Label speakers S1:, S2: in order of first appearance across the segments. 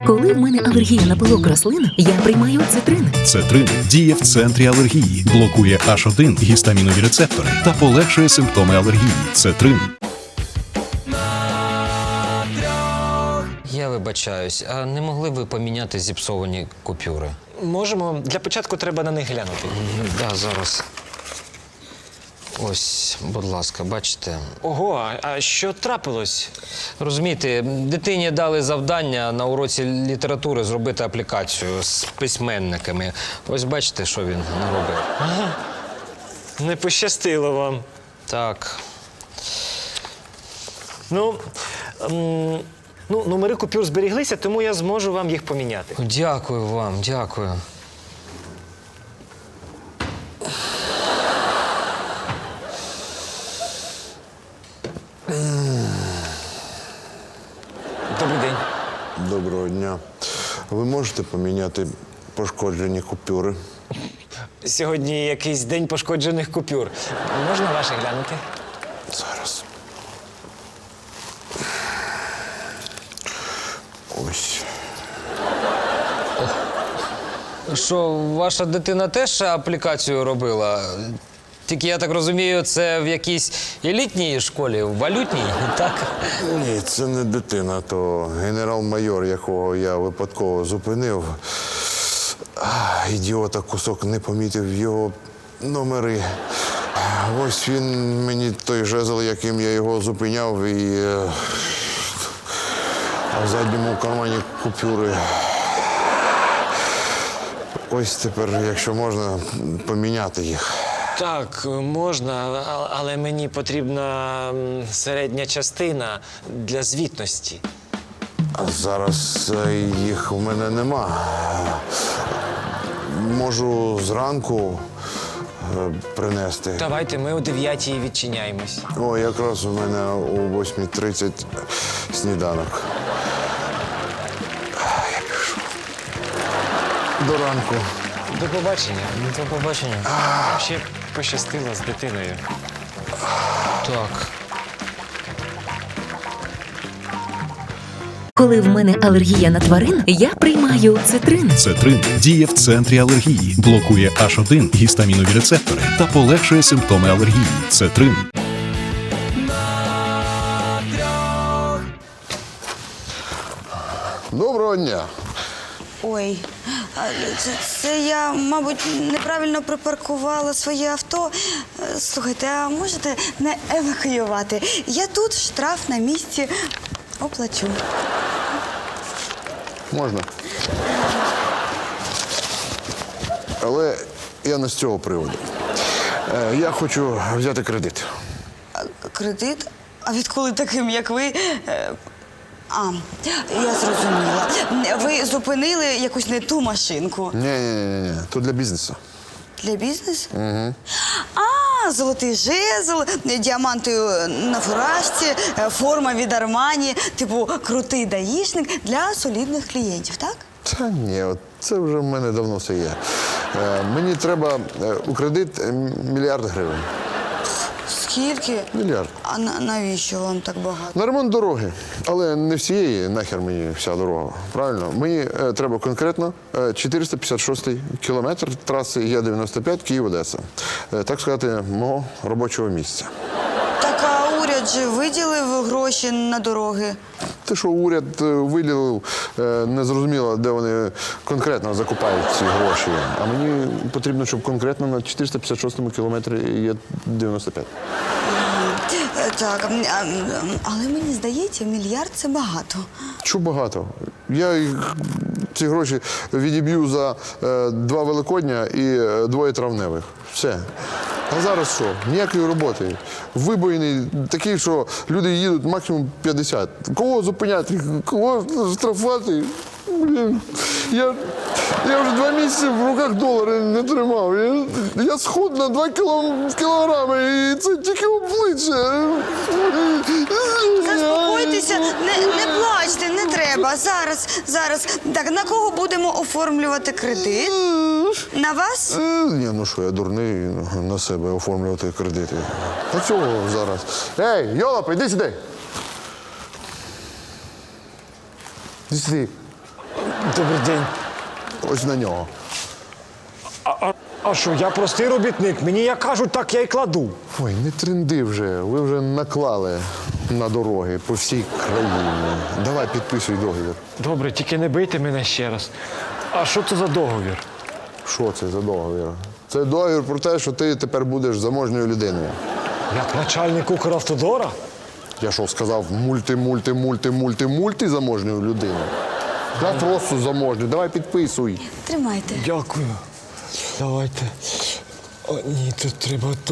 S1: Коли в мене алергія на пилок рослин, я приймаю цитрин.
S2: Цетрин діє в центрі алергії, блокує H1 гістамінові рецептори та полегшує симптоми алергії. Цетрин.
S3: Я вибачаюсь, а не могли б ви поміняти зіпсовані купюри?
S4: Можемо. Для початку треба на них глянути.
S3: Да, зараз. Ось, будь ласка, бачите.
S4: Ого, а що трапилось?
S3: Розумієте, дитині дали завдання на уроці літератури зробити аплікацію з письменниками. Ось бачите, що він наробив.
S4: Ага. Не пощастило вам.
S3: Так.
S4: Номери купюр зберіглися, тому я зможу вам їх поміняти.
S3: Дякую вам, дякую.
S4: Добрий день.
S5: Доброго дня. Ви можете поміняти пошкоджені купюри?
S4: Сьогодні якийсь день пошкоджених купюр. Можна ваші глянути?
S5: Зараз. Ось.
S3: Що, ваша дитина теж аплікацію робила? Тільки, я так розумію, це в якійсь елітній школі, валютній, так?
S5: Ні, це не дитина, то генерал-майор, якого я випадково зупинив. Ідіота кусок не помітив його номери. Ось він мені той жезл, яким я його зупиняв, а в задньому кармані купюри. Ось тепер, якщо можна, поміняти їх.
S4: Так, можна, але мені потрібна середня частина для звітності.
S5: А зараз їх у мене нема. Можу зранку принести.
S4: Давайте, ми о 9-й відчиняємось.
S5: О, якраз у мене о 8:30 сніданок. Я пішов. До ранку.
S4: До побачення.
S3: До побачення.
S4: Ще пощастило з дитиною.
S3: Так.
S1: Коли в мене алергія на тварин, я приймаю цитрин.
S2: Цетрин діє в центрі алергії, блокує H1 гістамінові рецептори та полегшує симптоми алергії. Цетрин.
S5: Доброго дня.
S6: Ой, це я, мабуть, неправильно припаркувала своє авто. Слухайте, а можете не евакуювати? Я тут, штраф на місці, оплачу.
S5: Можна. Але я не з цього приводу. Я хочу взяти кредит.
S6: Кредит? А відколи таким, як ви? Я зрозуміла. Ви зупинили якусь не ту машинку.
S5: Ні. То для бізнесу.
S6: Для бізнесу? Угу. Золотий жезл, діаманти на фуражці, форма від Армані, типу крутий даїшник для солідних клієнтів, так?
S5: Та ні, це вже в мене давно все є. Мені треба у кредит 1 мільярд гривень.
S6: Скільки?
S5: Мільярд.
S6: А навіщо вам так багато?
S5: На ремонт дороги. Але не всієї, нахер мені вся дорога. Правильно? Мені треба конкретно 456-й кілометр траси Є-95 Київ-Одеса. Так сказати, мого робочого місця.
S6: Так, а уряд же виділив гроші на дороги?
S5: Те, що уряд виділив, не зрозуміло, де вони конкретно закупають ці гроші. А мені потрібно, щоб конкретно на 456-му кілометрі Є-95.
S6: Так, але мені здається, 1 мільярд – це багато.
S5: Чого багато? Я ці гроші відіб'ю за 2 Великодня і 2 травневих. Все. А зараз що? Ніякої роботи. Вибоїний такий, що люди їдуть максимум 50. Кого зупиняти? Кого штрафувати? Блін. Я вже 2 місяці в руках долари не тримав. Я схуд на 2 кілограми, і це тільки обличчя.
S6: Заспокойтеся, не плачте, не треба. Зараз. Так, на кого будемо оформлювати кредит? На вас?
S5: Ні, ну що, я дурний на себе оформлювати кредити. На цього зараз. Ей, Йолоп, іди сюди. Іди сюди.
S4: Добрий день.
S5: Ось на нього.
S4: А що, я простий робітник. Мені як кажуть, так я й кладу.
S5: Ой, не тренди вже. Ви вже наклали на дороги по всій країні. Давай підписуй договір.
S4: Добре, тільки не бийте мене ще раз. А що це за договір?
S5: Що це за договір? Це договір про те, що ти тепер будеш заможньою людиною.
S4: Як начальник Укравтодора?
S5: Я що, сказав мульти заможньою людиною? Я просто заможню. Давай підписуй.
S6: Тримайте.
S4: Дякую. Давайте. О, ні, тут треба тут.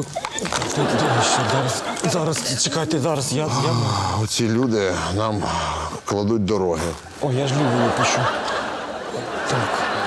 S4: Зараз, чекайте, зараз. Я...
S5: Оці люди нам кладуть дороги.
S4: О, я ж лівою пишу. Так.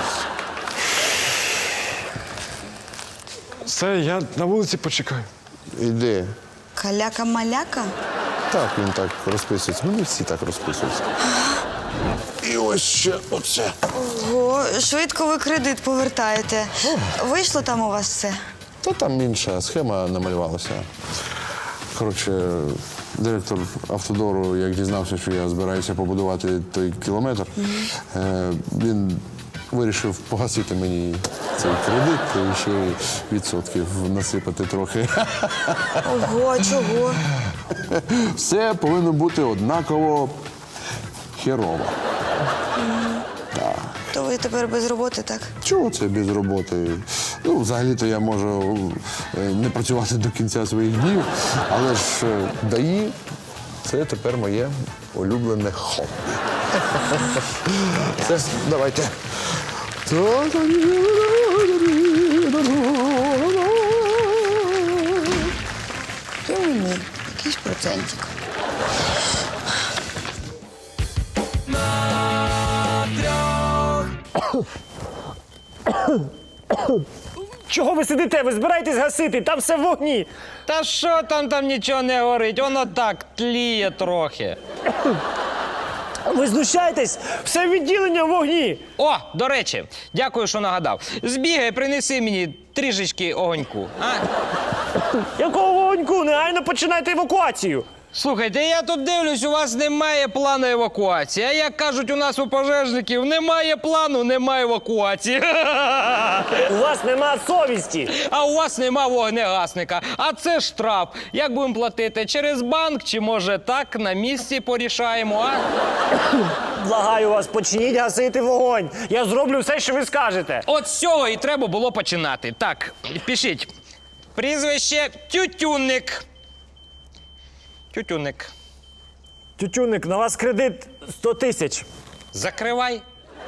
S4: Все, я на вулиці почекаю.
S5: Іди.
S6: Каляка-маляка?
S5: Так, він так розписується. Ну, не всі так розписуються. І ось ще оце.
S6: Ого, швидко ви кредит повертаєте. Вийшло там у вас все?
S5: Та там інша схема намалювалася. Коротше, директор Автодору, як дізнався, що я збираюся побудувати той кілометр, він вирішив погасити мені цей кредит і ще й відсотків насипати трохи.
S6: Ого, чого?
S5: Все повинно бути однаково херово.
S6: То ви тепер без роботи, так?
S5: Чого це без роботи? Ну, взагалі-то я можу не працювати до кінця своїх днів, але ж ДАІ – це тепер моє улюблене хобі. Все, давайте.
S6: І мені. Якийсь процентик.
S4: Чого ви сидите? Ви збираєтесь гасити? Там все в вогні.
S3: Та що там нічого не горить? Воно так тліє трохи.
S4: Ви знущаєтесь? Все відділення в вогні.
S3: О, до речі, дякую, що нагадав. Збігай, принеси мені трішечки огоньку. А?
S4: Якого вогоньку? Негайно починайте евакуацію.
S3: Слухайте, я тут дивлюсь, у вас немає плану евакуації. А як кажуть у нас у пожежників, немає плану, немає евакуації.
S4: У вас нема совісті.
S3: А у вас нема вогнегасника. А це штраф. Як будемо платити? Через банк чи може так на місці порішаємо, а?
S4: Благаю вас, почніть гасити вогонь. Я зроблю все, що ви скажете.
S3: От з цього і треба було починати. Так, пишіть. Прізвище Тютюнник. Тютюнник.
S4: Тютюнник, на вас кредит 100 тисяч.
S3: Закривай.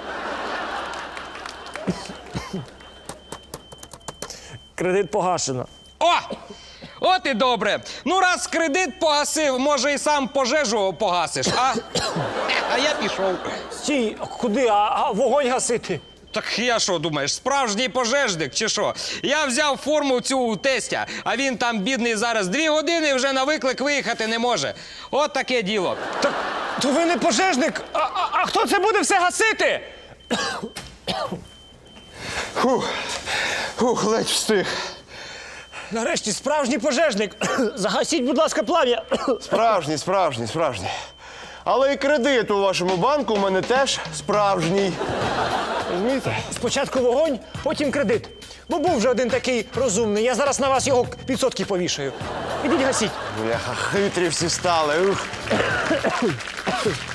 S4: Кредит погашено.
S3: О! От і добре. Ну, раз кредит погасив, може і сам пожежу погасиш, а? А я пішов.
S4: Стій, куди? А вогонь гасити?
S3: Так я що, думаєш, справжній пожежник чи що? Я взяв форму цю у тестя, а він там, бідний, зараз 2 години вже на виклик виїхати не може. От таке діло.
S4: Так, то ви не пожежник. А хто це буде все гасити?
S7: Фух, ледь встиг.
S4: Нарешті справжній пожежник. Загасіть, будь ласка, плам'я.
S7: Справжній. Але і кредит у вашому банку у мене теж справжній. Розумієте?
S4: Спочатку вогонь, потім кредит. Бо був вже один такий розумний. Я зараз на вас його відсотки повішаю. Ідіть гасіть.
S7: Бляха, хитрі всі стали. Ух.